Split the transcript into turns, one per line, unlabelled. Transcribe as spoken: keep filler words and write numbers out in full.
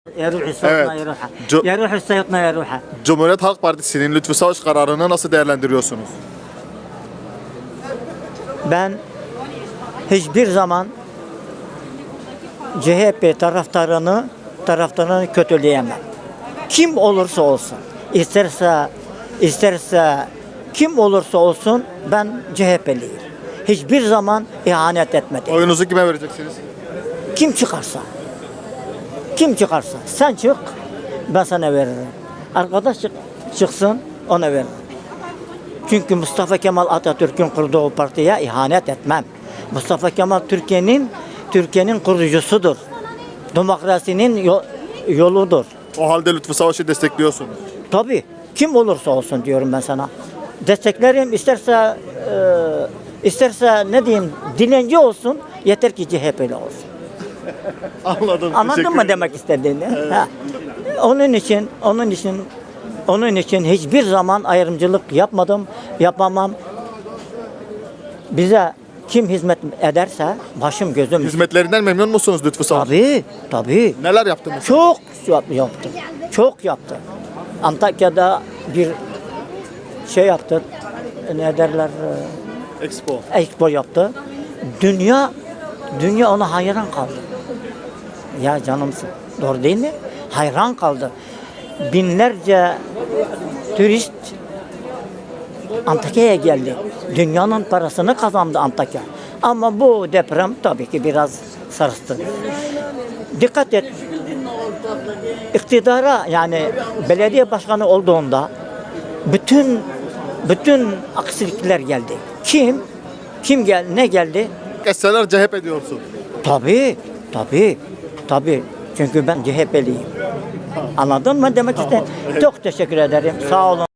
يا روحي
Evet.
صوتنا يا روحه
Co-
يا روحي صوتنا يا روحه.
Cumhuriyet Halk Partisi'nin Lütfü Savaş kararını nasıl değerlendiriyorsunuz?
Ben hiçbir zaman C H P taraftarını taraftarını kötüleyemem. Kim olursa olsun, isterse isterse kim olursa olsun ben C H P'liyim. Hiçbir zaman ihanet etmedim.
Oyunuzu kime vereceksiniz?
Kim çıkarsa, kim çıkarsa sen çık, ben sana veririm. Arkadaş çık, çıksın, ona veririm. Çünkü Mustafa Kemal Atatürk'ün kurduğu partiye ihanet etmem. Mustafa Kemal Türkiye'nin Türkiye'nin kurucusudur. Demokrasinin yo- yoludur.
O halde Lütfü Savaş'ı destekliyorsunuz.
Tabii kim olursa olsun diyorum ben sana. Desteklerim isterse e, isterse ne diyeyim dilenci olsun yeter ki C H P'li olsun.
Anladım.
Anladın
teşekkür
mı
ederim.
demek istediğini? Ha. Onun için, onun için, onun için hiçbir zaman ayrımcılık yapmadım, yapamam. Bize kim hizmet ederse başım gözüm.
Hizmetlerinden memnun musunuz Lütfü Savaş?
Tabii, tabii.
Neler yaptınız?
Çok yap- yaptı. Çok yaptı. Antakya'da bir şey yaptı. Ne derler?
Expo.
e, Expo yaptı. Dünya dünya ona hayran kaldı. Ya canımsın. Doğru değil mi? Hayran kaldı. Binlerce turist Antakya'ya geldi. Dünyanın parasını kazandı Antakya. Ama bu deprem tabii ki biraz sarstı. Dikkat et. İktidara yani belediye başkanı olduğunda bütün bütün aksilikler geldi. Kim? Kim gel ne geldi?
Geçseler C H P diyorsun.
Tabii, tabii, tabii. Çünkü ben C H P'liyim. Anladın mı demek istedim? Çok teşekkür ederim. Sağ olun.